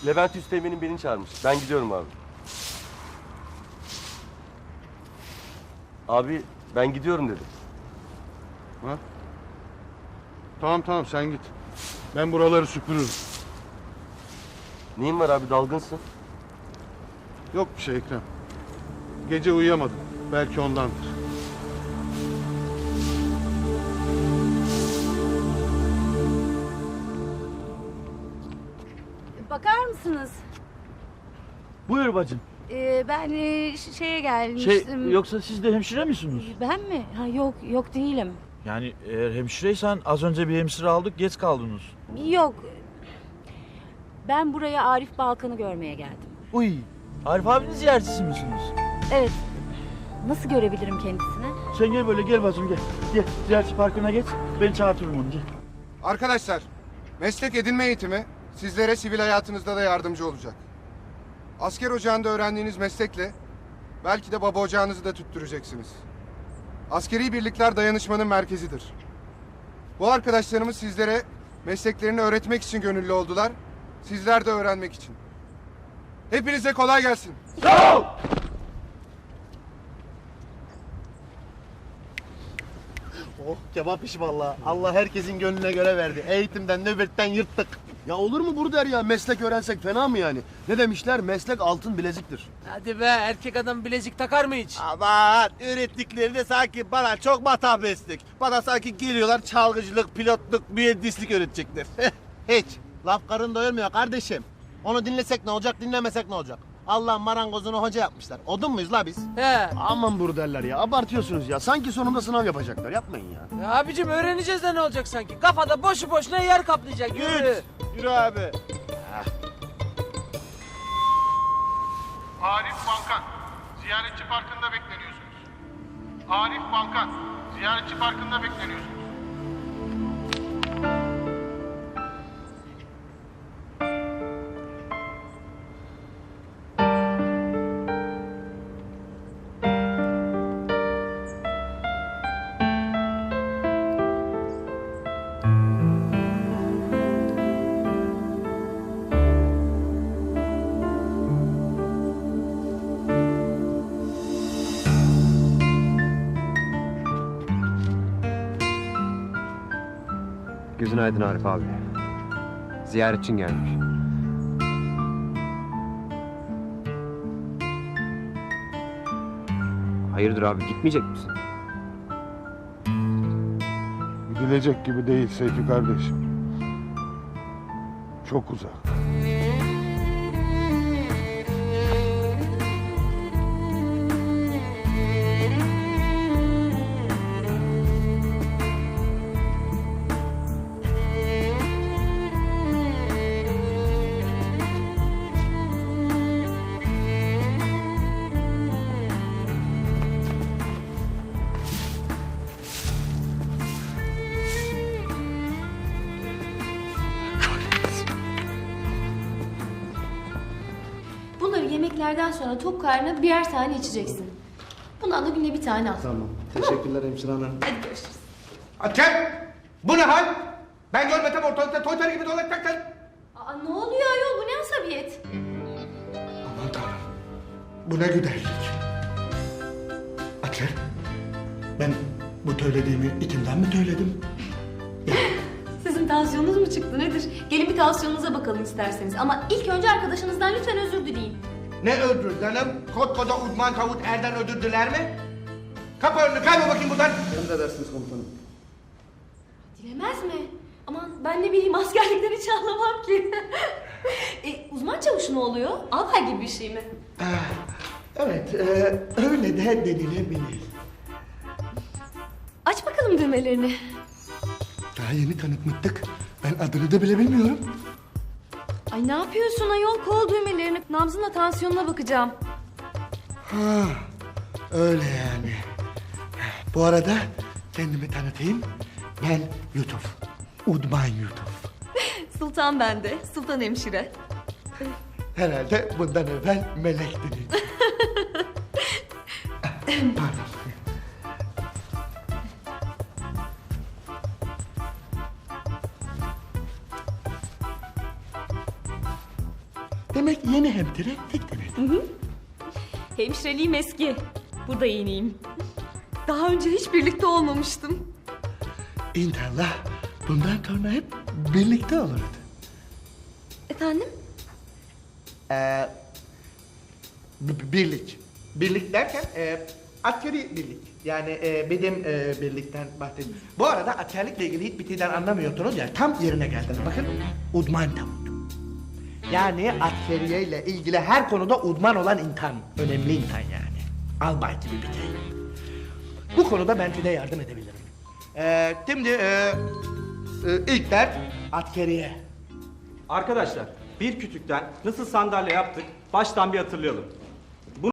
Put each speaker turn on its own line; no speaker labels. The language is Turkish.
Levent Üsteğmen'in beni çağırmış. Ben gidiyorum abi. Abi ben gidiyorum dedim.
Ha? Tamam sen git. Ben buraları süpürürüm.
Neyin var abi, dalgınsın?
Yok bir şey Ekrem. Gece uyuyamadım. Belki ondandır.
Bakar mısınız?
Buyur bacım.
Ben şeye gelmiştim.
Yoksa siz de hemşire misiniz?
Ben mi? Ha, yok değilim.
Yani eğer hemşireysen az önce bir hemşire aldık, geç kaldınız.
Yok. Ben buraya Arif Balkan'ı görmeye geldim.
Uy, Arif abinin ziyaretçisi misiniz?
Evet. Nasıl görebilirim kendisini?
Sen gel böyle, gel bacım gel. Gel, ziyaretçi parkına geç, ben çağırtırım onu, gel.
Arkadaşlar, meslek edinme eğitimi sizlere sivil hayatınızda da yardımcı olacak. Asker ocağında öğrendiğiniz meslekle belki de baba ocağınızı da tüttüreceksiniz. Askeri birlikler dayanışmanın merkezidir. Bu arkadaşlarımız sizlere mesleklerini öğretmek için gönüllü oldular. Sizler de öğrenmek için. Hepinize kolay gelsin.
Sağ ol!
Oh kebap işi vallahi. Allah herkesin gönlüne göre verdi. Eğitimden, nöbetten yırttık.
Ya olur mu Burder ya? Meslek öğrensek fena mı yani? Ne demişler? Meslek altın bileziktir.
Hadi be, erkek adam bilezik takar mı hiç?
Aman öğrettikleri de sanki bana çok matah meslek. Bana sanki geliyorlar çalgıcılık, pilotluk, mühendislik öğretecekler. Hiç. Laf karın doyurmuyor kardeşim. Onu dinlesek ne olacak, dinlemesek ne olacak? Allah marangozunu hoca yapmışlar. Odun muyuz la biz?
He.
Aman Burderler ya. Abartıyorsunuz ya. Sanki sonunda sınav yapacaklar. Yapmayın ya.
Ya abicim öğreneceğiz de ne olacak sanki? Kafada boşu boşuna yer kaplayacak. Yürü.
Yürü abi.
Arif Balkan, ziyaretçi parkında bekleniyorsunuz. Arif Balkan, ziyaretçi parkında bekleniyorsunuz.
Gözün aydın Arif abi. Ziyaretçin gelmiş. Hayırdır abi, gitmeyecek misin?
Gidilecek gibi değil Seyfi kardeşim. Çok uzak.
Bunları yemeklerden sonra tok karnına birer tane içeceksin. Bundan da günde bir tane al.
Tamam. Teşekkürler hemşire hanım.
Hadi görüşürüz.
Atem! Bu ne hal? Ben görmesem ortalıkta toytar gibi dolaşacaksın.
Aa, ne oluyor ayol? Bu ne asabiyet?
Aman Tanrım. Bu ne güzellik. Aker, ben bu söylediğimi içimden mi söyledim?
Sizin tansiyonunuz mu çıktı nedir? Gelin bir tansiyonunuza bakalım isterseniz. Ama ilk önce arkadaşınızdan lütfen özür dileyin.
Ne özür canım? Koskoca uzman tavut erden özür diler mi? Kapı önünü kaybol bakayım buradan.
Emredersiniz komutanım.
Dilemez mi? Aman ben ne bileyim askerlikten hiç anlamam ki. Uzman çavuş mu oluyor? Albay gibi bir şey mi?
Evet, öyle de denilebilir.
Aç bakalım düğmelerini.
Daha yeni tanıtmıştık. Ben adını da bile bilmiyorum.
Ay ne yapıyorsun ayol? Kol düğmelerini. Nabzınla tansiyonuna bakacağım.
Ha, öyle yani. Bu arada kendimi tanıtayım. Ben Yusuf. Udman Yusuf.
Sultan bende. Sultan hemşire.
Herhalde bundan evvel melektiniz. Pardon.
Demek yeni hemşire tek devir.
Hemşireliğim eski. Burada yeniyim. Daha önce hiç birlikte olmamıştım.
İnşallah bundan sonra hep birlikte oluruz.
Efendim?
Birlik. Birlik derken askeri birlik. Yani benim birlikten bahsediyorum. Bu arada askerlikle ilgili hiçbir şeyden anlamıyorsunuz ya, tam yerine geldiniz. Bakın, uzman tavuk. Yani askeriyeyle ilgili her konuda uzman olan insan. Önemli insan yani. Albay gibi bir şey. Bu konuda ben size yardım edebilirim. Şimdi ilk ders askeriye.
Arkadaşlar bir kütükten nasıl sandalye yaptık baştan bir hatırlayalım.